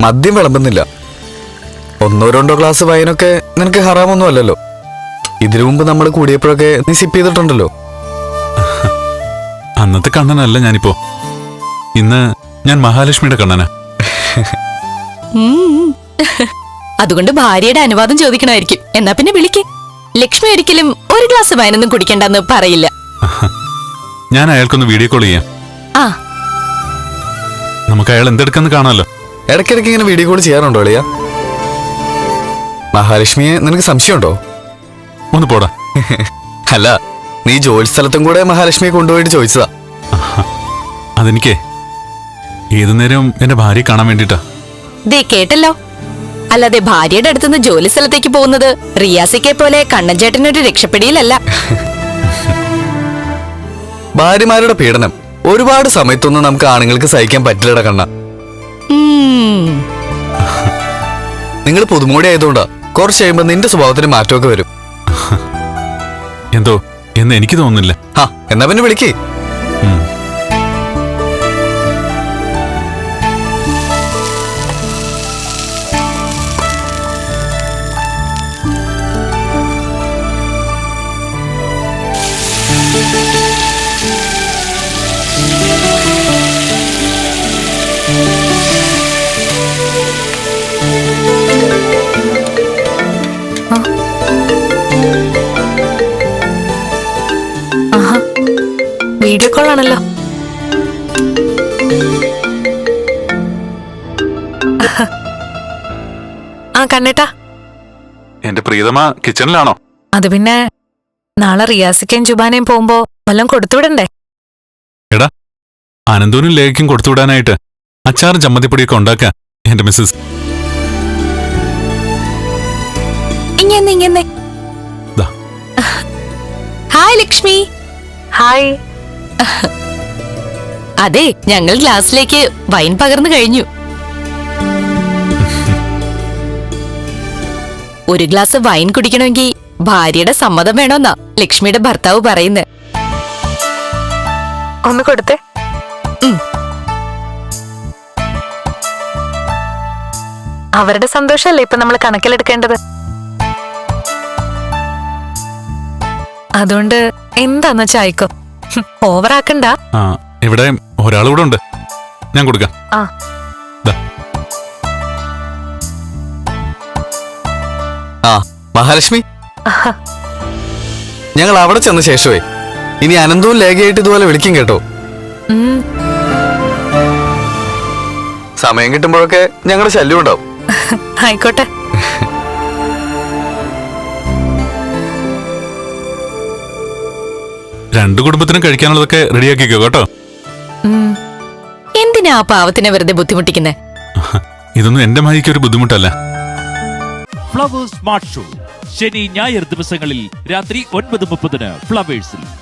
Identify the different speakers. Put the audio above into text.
Speaker 1: മദ്യം വിളമ്പുന്നില്ല. 1-2 ഗ്ലാസ് വൈനൊക്കെ നിനക്ക് ഹറാമൊന്നും അല്ലല്ലോ. ഇതിനു മുമ്പ് നമ്മൾ കൂടിയപ്പോഴൊക്കെ നീ സിപ്പ് ചെയ്തിട്ടുണ്ടല്ലോ.
Speaker 2: അന്നത്തെ കണ്ണനല്ല ഞാനിപ്പോ. ഇന്ന് ഞാൻ മഹാലക്ഷ്മിയുടെ കണ്ണനാ.
Speaker 3: അതുകൊണ്ട് ഭാര്യയുടെ അനുവാദം ചോദിക്കണമായിരിക്കും. എന്നാ പിന്നെ വിളിക്ക്. ലക്ഷ്മി ഒരിക്കലും 1 ഗ്ലാസ് വൈനൊന്നും കുടിക്കണ്ടെന്ന് പറയില്ല.
Speaker 2: ഞാൻ അയാൾക്കൊന്ന് വീഡിയോ കോൾ ചെയ്യാം.
Speaker 3: ആ,
Speaker 2: നമുക്ക് അയാൾ എന്തെടുക്കെന്ന് കാണാമല്ലോ.
Speaker 1: ഇടയ്ക്കിടയ്ക്ക് ഇങ്ങനെ വീഡിയോ കോൾ ചെയ്യാറുണ്ടോ അളിയ? മഹാലക്ഷ്മിയെ നിനക്ക് സംശയമുണ്ടോ?
Speaker 2: ഒന്ന് പോടാ.
Speaker 1: അല്ല, നീ ജോലി സ്ഥലത്തും കൂടെ മഹാലക്ഷ്മിയെ കൊണ്ടുപോയിട്ട് ചോദിച്ചതാ.
Speaker 2: അതെനിക്കേ ഏതു നേരവും എന്റെ ഭാര്യയെ കാണാൻ വേണ്ടിട്ടാ.
Speaker 3: ദേ കേട്ടല്ലോ. അല്ലാതെ ഭാര്യയുടെ അടുത്തുനിന്ന് ജോലി സ്ഥലത്തേക്ക് പോകുന്നത് റിയാസിക്കെ പോലെ കണ്ണൻ ചേട്ടനൊരു രക്ഷപ്പെടിയിലല്ല.
Speaker 1: ഭാര്യമാരുടെ പീഡനം ഒരുപാട് സമയത്തൊന്നും നമുക്ക് ആണുങ്ങൾക്ക് സഹിക്കാൻ പറ്റില്ലട കണ്ണ. നിങ്ങൾ പുതുമോടി ആയതുകൊണ്ടാ കുറച്ച് കഴിയുമ്പോ നിന്റെ സ്വഭാവത്തിന് മാറ്റമൊക്കെ വരും.
Speaker 2: എന്തോ എന്ന് എനിക്ക് തോന്നുന്നില്ല.
Speaker 1: എന്നാ പിന്നെ വിളിക്കേ.
Speaker 3: വീഡിയോ കോൾ ആണല്ലോ. ആ കണ്ണേട്ടാ,
Speaker 2: എന്റെ പ്രീതമ കിച്ചണിലാണോ?
Speaker 3: അത് പിന്നെ നാളെ റിയാസിക്കയും ജുബാനയും പോകുമ്പോ വല്ലതും കൊടുത്തുവിടണ്ടേ?
Speaker 2: എടാ, അനന്തൂനും ലേഖയ്ക്കും കൊടുത്തുവിടാനായിട്ട് അച്ചാറും ചമ്മന്തിപ്പൊടിയൊക്കെ ഉണ്ടാക്കുക എന്റെ മിസ്സസ്.
Speaker 3: ഇങ്ങനെ ഹായ് ലക്ഷ്മി. ഹായ്. അതെ, ഞങ്ങൾ ഗ്ലാസ്സിലേക്ക് വൈൻ പകർന്നു കഴിഞ്ഞു. 1 ഗ്ലാസ് വൈൻ കുടിക്കണമെങ്കിൽ ഭാര്യയുടെ സമ്മതം വേണമെന്നാ ലക്ഷ്മിയുടെ ഭർത്താവ് പറയുന്നത്. ഒന്ന് കൊടുത്തേ. അവരുടെ സന്തോഷല്ലേ ഇപ്പൊ നമ്മൾ കണക്കിലെടുക്കേണ്ടത്. അതുകൊണ്ട് എന്താന്ന് വെച്ചായിക്കോ, ഓവറാക്കണ്ട.
Speaker 2: ഇവിടെ ഒരാളുകൂടെ ഉണ്ട്, ഞാൻ കൊടുക്കാം.
Speaker 1: മഹാലക്ഷ്മി, ഞങ്ങൾ അവിടെ ചെന്ന ശേഷമേ ഇനി അനന്തവും ലേഖയായിട്ട് ഇതുപോലെ വിളിക്കും കേട്ടോ. സമയം കിട്ടുമ്പോഴൊക്കെ ഞങ്ങളുടെ ശല്യം ഉണ്ടാവും.
Speaker 3: ആയിക്കോട്ടെ.
Speaker 2: രണ്ടു കുടുംബത്തിനും കഴിക്കാനുള്ളതൊക്കെ റെഡിയാക്കിക്കോ കേട്ടോ.
Speaker 3: എന്തിനാ ആ പാവത്തിനെ വെറുതെ ബുദ്ധിമുട്ടിക്കുന്നേ?
Speaker 2: ഇതൊന്നും എന്റെ മഹിക്ക് ഒരു ബുദ്ധിമുട്ടല്ല.
Speaker 4: ഫ്ലവേഴ്സ് സ്മാർട്ട് ഷോ ശനി ഞായർ ദിവസങ്ങളിൽ രാത്രി 9:30 ഫ്ലവേഴ്സിൽ.